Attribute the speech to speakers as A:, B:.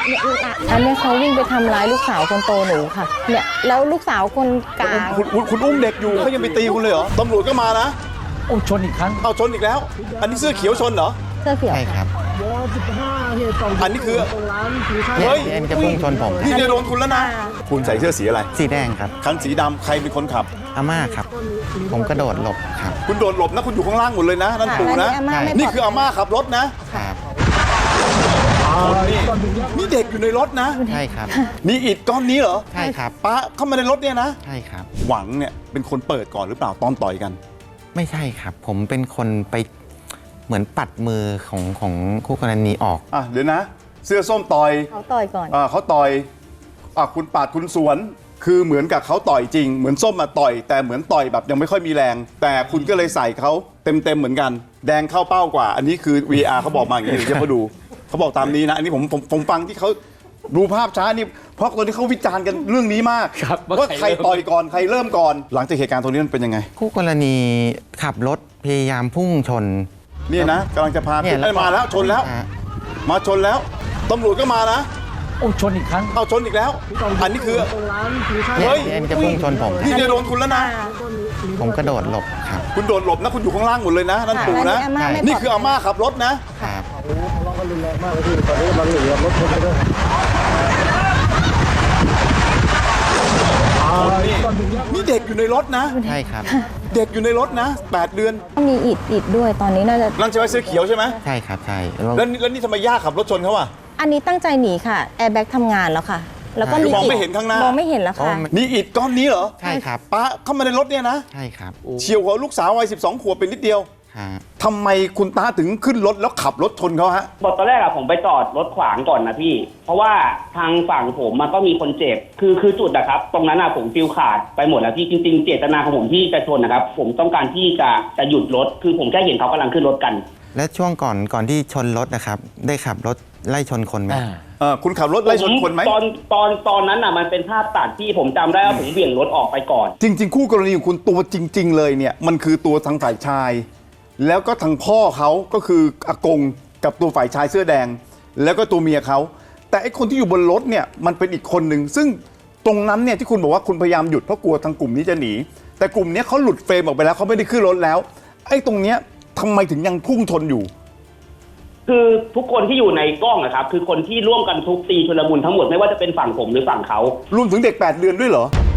A: อันนี้เขาวิ่งไปทำร้ายลูกสาวคนโตหนูค่ะเนี่ยแล้วลูกสาวคนกลาง
B: คุณอุ้มเด็กอยู่เขายังไปตีคุณเลยเหรอตำรวจก็มานะ
C: โอ้ชนอีกครั้ง
B: เอาชนอีกแล้ว อันนี้เสื้อเขียวชนเหรอ
A: เสื้อเขียว
D: ใช่ครับ
B: อันนี้คือ
D: เนี่ย
B: เฮ้ย
D: เอ็มจะพุ่งชนผม
B: นี่จะโดนคุณแล้วนะคุณใส่เสื้อสีอะไร
D: สีแดงครับ
B: คันสีดำใครเป็นคนขับ
D: อาม่าครับ ผมกระโดดหลบครับ
B: คุณโดดหลบนะคุณอยู่ข้างล่างหมดเลยนะนั่นปู่นะ
A: อัอาม่าไม่
B: นี่คืออาม่าขับรถนะ
D: ครับ
B: นี่เด็กอยู่ในรถนะ
D: ใช่ครับ
B: นี่อิฐก้อนนี้เหรอ
D: ใช่ครับ
B: ป้าเข้ามาในรถเนี่ยนะ
D: ใช่ครับ
B: หวังเนี่ยเป็นคนเปิดก่อนหรือเปล่าตอนต่อยกัน
D: ไม่ใช่ครับ ผมเป็นคนไปเหมือนปัดมือของคู่กรณีออก
B: อ่ะเดี๋ยวนะ เสื้อส้มต่อย
A: เขาต่อยก่อน
B: เขาต่อยคุณปาดคุณสวน คือเหมือนกับเขาต่อยจริง เหมือนส้มมาต่อย แต่เหมือนต่อยแบบยังไม่ค่อยมีแรง แต่คุณก็เลยใส่เขาเต็มเหมือนกัน แดงเข้าเป้ากว่า อันนี้คือ VR เขาบอกมาอย่างนี้เดี๋ยวเขาดูเขาบอกตามนี้นะ อันนี้ผมฟังที่เขาดูภาพช้านี่เพราะตอนนี้เขาวิจารณ์กันเรื่องนี้มาก
C: ครับ
B: ว่าใครต่อยก่อนใครเริ่มก่อน หลังจากเหตุการณ์ตรงนี้มันเป็นยังไง
D: คู่กรณีขับรถพยายามพุ่งชน
B: เนี่ยนะกำลังจะพา
D: เนี่ย
B: เอ้ยมาแล้วชนแล้ว
D: ฮะ
B: มาชนแล้วตำรวจก็มานะ
C: โอ้ชนอีกครั้ง
B: เอาชนอีกแล้ว อันนี้คือ
D: เนี่ย
B: เฮ้ย
D: เอ็มจะพุ่งชนผม
B: นี่จะโดนคุณแล้วนะ
D: ผมกระโดดหลบครับ
B: คุณโดดหลบนะคุณอยู่ข้างล่างหมดเลยนะนั่นปู่นะ
A: อัอาม่าไม่
B: นี่คืออาม่าขับรถนะ
D: ครับ
B: นี่เด็กอยู่ในรถนะ
D: ใช่ครับ
B: เด็กอยู่ในรถนะ 8 เดือน
A: มีอิดด้วยตอนนี้น่าจะ
B: นั่นใช่ไหมเสื้อเขียวใช่ไหม
D: ใช่ครับ ใช่
B: แล้วนี่ทำไมย่าขับรถชนเขาอ่ะ
A: อันนี้ตั้งใจหนีค่ะแอร์แบ็กทำงานแล้วค่ะ แล้วก็
B: คือ
A: มี
B: มองไม่เห็นข้างหน้าม
A: องไม่เห็นแล้วค่ะ
B: นี่อิฐก้อนนี้เหรอ
D: ใช่ครับ
B: ป้าเข้ามาในรถเนี่ยนะ
D: ใช่ครับ
B: เฉียวหัวลูกสาววัย12 ขวบเป็นนิดเดียว
D: ฮะ
B: ทำไมคุณตาถึงขึ้นรถแล้วขับรถชนเขาฮะ
E: บอกตอนแรกอะผมไปจอดรถขวางก่อนนะพี่ เพราะว่าทางฝั่งผมมันก็มีคนเจ็บ คือจุดอะครับ ตรงนั้นอะผมฟิลขาดไปหมดแล้วพี่ จริงๆเจตนาของผมที่จะชนนะครับ ผมต้องการที่จะหยุดรถ คือผมแค่เห็นเขากำลังขึ้นรถกัน
D: และช่วงก่อนที่ชนรถนะครับ ได้ขับรถไล่ชนคนไหม
B: คุณขับรถไล่ชนคนไหม
E: ตอนนั้นอะมันเป็นภาพตัดที่ผมจำได้ว่าผมเบี่ยงรถออกไปก่อน
B: จริง ๆ คู่กรณีของคุณตัวจริง ๆ เลยเนี่ยมันคือตัวทางฝ่ายชาย แล้วก็ทางพ่อเขาก็คืออากงกับตัวฝ่ายชายเสื้อแดง แล้วก็ตัวเมียเขาแต่ไอ้คนที่อยู่บนรถเนี่ยมันเป็นอีกคนหนึ่งซึ่งตรงนั้นเนี่ยที่คุณบอกว่าคุณพยายามหยุดเพราะกลัวทางกลุ่มนี้จะหนีแต่กลุ่มนี้เขาหลุดเฟรมออกไปแล้วเขาไม่ได้ขึ้นรถแล้วไอ้ตรงเนี้ยทำไมถึงยังพุ่งชนอยู่
E: คือทุกคนที่อยู่ในกล้องอะครับ คือคนที่ร่วมกันทุบตีชุลมุนทั้งหมดไม่ว่าจะเป็นฝั่งผมหรือฝั่งเขา
B: รวมถึงเด็ก 8 เดือนด้วยเหรอ